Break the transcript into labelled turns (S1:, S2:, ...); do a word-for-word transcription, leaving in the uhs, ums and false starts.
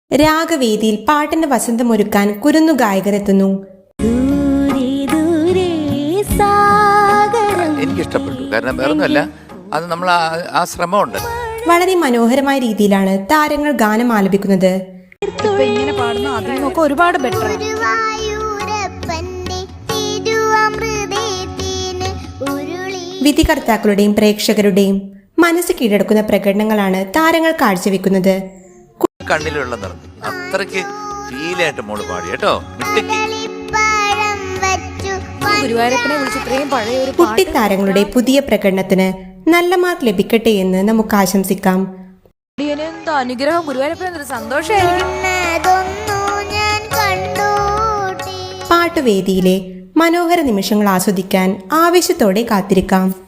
S1: രാഗവേദിയിൽ പാട്ടിന്റെ വസന്തമൊരുക്കാൻ കുരുന്നു ഗായകരെത്തുന്നു.
S2: എനിക്കിഷ്ടപ്പെട്ടു. കാരണം വേറൊന്നുമല്ല, അത് നമ്മൾ ആ ശ്രമമുണ്ട്.
S1: വളരെ മനോഹരമായ രീതിയിലാണ് താരങ്ങൾ ഗാനം ആലപിക്കുന്നത്.
S3: ഇങ്ങനെ പാടുന്ന അതിനൊക്കെ ഒരുപാട് ബെറ്റർ.
S1: വിധികർത്താക്കളുടെയും പ്രേക്ഷകരുടെയും മനസ്സ് കീഴടക്കുന്ന പ്രകടനങ്ങളാണ് താരങ്ങൾ കാഴ്ചവെക്കുന്നത്.
S2: കണ്ണിലുള്ള നിറം അത്രയ്ക്ക് ഫീലായിട്ട് മോള് പാടി കേട്ടോ.
S3: ഗുരുവായൂരപ്പനെ വിളിച്ച് ഇത്രയും പഴയ ഒരു
S1: കുട്ടിത്താരങ്ങളുടെ പുതിയ പ്രകടനത്തിന് നല്ല മാർക്ക് ലഭിക്കട്ടെ എന്ന് നമുക്ക് ആശംസിക്കാം.
S3: അനുഗ്രഹം ഗുരുവായൂരപ്പന് സന്തോഷമായിരിക്കും.
S1: പാട്ടുവേദിയിലെ മനോഹര നിമിഷങ്ങൾ ആസ്വദിക്കാൻ ആവേശത്തോടെ കാത്തിരിക്കാം.